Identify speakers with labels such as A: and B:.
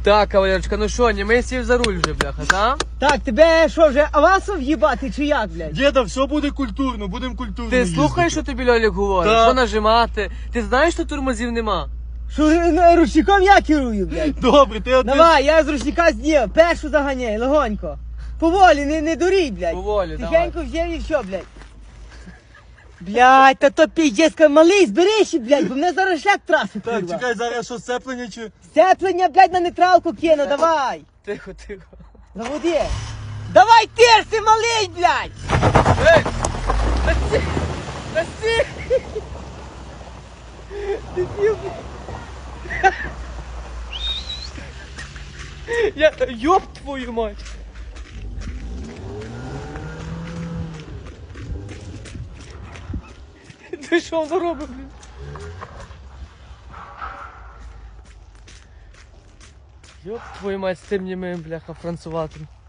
A: Так, кавалерочка, ну що, не сів за руль вже, бляха, так?
B: Так, тебе що, вже авансом в'їбати чи як, блядь?
C: Діда, все буде культурно, будемо культурно
A: Ти слухаєш, що тобі Льолік говорить?
C: Так.
A: Що нажимати? Ти знаєш, що тормозів нема?
B: Що ручником я керую, блядь?
C: Добре, ти один.
B: Давай, я з ручника зняв, першу заганяй, легонько. Поволі, не дурій, блядь.
A: Поволі,
B: Тихенько взяв і все, блядь. Блядь, та то піздецька, малий, зберись, блядь, бо мене зараз шлях траси,
C: Так,
B: курва.
C: чекай, зараз що, сцеплення чи...
B: Сцеплення, блядь, на нейтралку кину, давай.
A: Тихо, тихо.
B: Заводи. Давай терси, малий, блядь.
A: Ей! Насі! Насі! Я... Ёб твою мать! Ти що воно робить, блін? Ёб твою мать з тим німим, бляха, француватим.